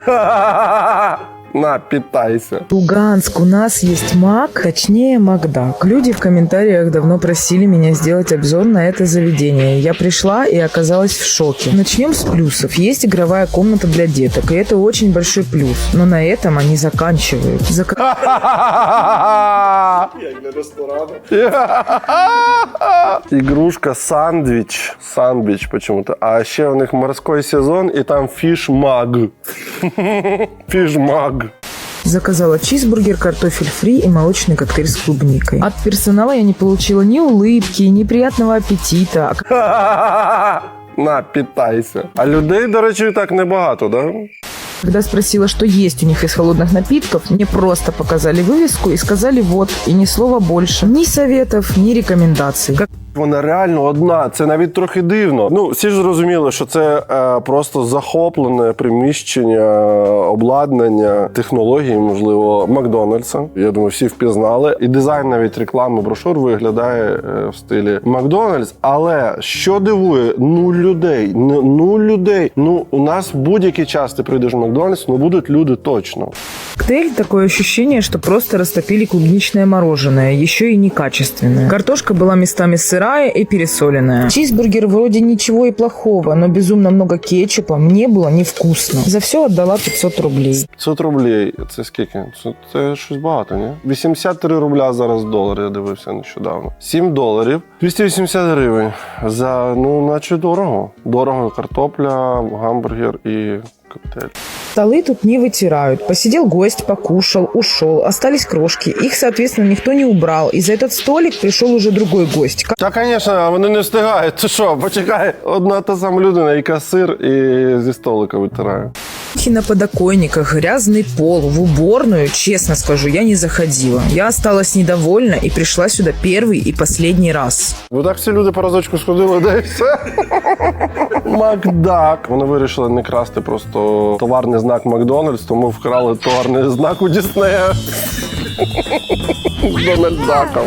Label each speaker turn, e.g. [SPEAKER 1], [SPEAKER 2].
[SPEAKER 1] На, питайся.
[SPEAKER 2] Луганск, у нас есть Мак, точнее Макдак. Люди в комментариях давно просили меня сделать обзор на это заведение. Я пришла и оказалась в шоке. Начнем с плюсов. Есть игровая комната для деток, и это очень большой плюс. Но на этом они заканчивают.
[SPEAKER 1] Игрушка сандвич. Сандвич почему-то. А еще у них морской сезон, и там фиш-маг. Фиш-маг.
[SPEAKER 2] Заказала чизбургер, картофель фри и молочный коктейль с клубникой. От персонала я не получила ни улыбки, ни приятного аппетита.
[SPEAKER 1] На, питайся. А людей, до речі, так небагато, да?
[SPEAKER 2] Когда спросила, что есть у них из холодных напитков, мне просто показали вывеску и сказали вот, и ни слова больше. Ни советов, ни рекомендаций.
[SPEAKER 1] Вона реально одна, це навіть трохи дивно. Ну, всі ж зрозуміли, що це просто захоплене приміщення, обладнання, технології, можливо, Макдональдса. Я думаю, всі впізнали. І дизайн навіть реклами брошур виглядає в стилі Макдональдс. Але що дивує? Нуль людей. Нуль людей. Ну, у нас будь-який час ти прийдеш в Макдональдс, ну будуть люди точно.
[SPEAKER 2] Коктейль – такое ощущение, что просто растопили клубничное мороженое, еще и некачественное. Картошка была местами сырая и пересоленная. Чизбургер вроде ничего и плохого, но безумно много кетчупа, мне было невкусно. За все отдала 500 рублей.
[SPEAKER 1] 500 рублей, це скільки? Це щось багато, ні? 83 рубля зараз долар, я дивився нещодавно. 7 доларів, 280 гривень. За, ну, наче дорого. Дорого картопля, гамбургер і коктейль.
[SPEAKER 2] Столы тут не вытирают. Посидел гость, покушал, ушел. Остались крошки. Их, соответственно, никто не убрал. И за этот столик пришел уже другой гость.
[SPEAKER 1] Та, звісно, вони не встигають. Ти що, почекай, одна та сама людина, і касир, і зі столика витирає.
[SPEAKER 2] На подоконниках, грязный пол, в уборную, честно скажу, я не заходила. Я осталась недовольна и пришла сюда первый и последний раз.
[SPEAKER 1] Ну так всі люди по разочку сходили, да і все. Макдак. Вони вирішили не красти просто товарний знак Макдональдс, тому вкрали товарний знак у Діснея. З Дональд Даком.